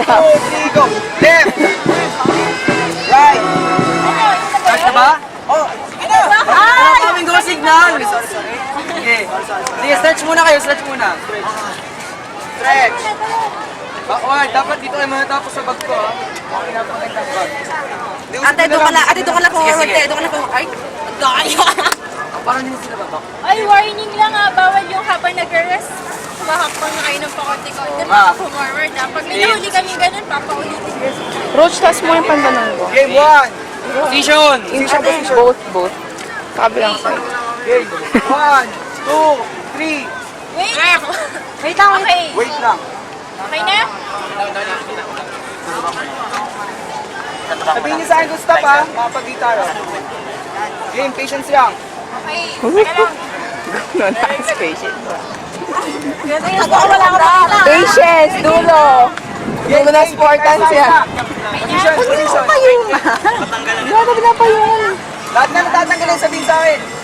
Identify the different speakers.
Speaker 1: 3, go! Left! Right! Start na ba? Oh, sige na! Wala kaming go signal! Sorry. Sige. Sige, stretch muna kayo, stretch muna. Stretch! Backward, dapat dito kayo matapos sa bag ko, ha? Okay na, pagkagdag bag.
Speaker 2: Ate, doon ka lang forward, te. Doon ka lang forward. Ay, daya.
Speaker 1: Parang hindi sila babak.
Speaker 3: Ay, warning lang ha. Bawal yung habang nag-rest. Mahakpan na kayo ng pakonti-konti.
Speaker 1: Ma.
Speaker 3: Forward na. Pag may nahuli kami ganun, papaulitin.
Speaker 4: Roach, taas mo yung pantalon ko.
Speaker 1: Game 1! Position!
Speaker 4: Both. Kabilang side.
Speaker 1: Game 1, 2, 3.
Speaker 3: Wait! Wait lang, okay.
Speaker 1: Wait lang.
Speaker 3: Okay na?
Speaker 1: Sabihin niyo sa akin kung stop, ha? Makapag-di tayo. Game, patience lang.
Speaker 3: Okay. Teka lang.
Speaker 4: No, nice patience.
Speaker 2: Wala ko na.
Speaker 4: Patience, dulo. Dulo na sportans yan.
Speaker 1: Position, position.
Speaker 4: Wala na pinapayungan.
Speaker 1: Lahat na natatanggalin, sabihin sa akin.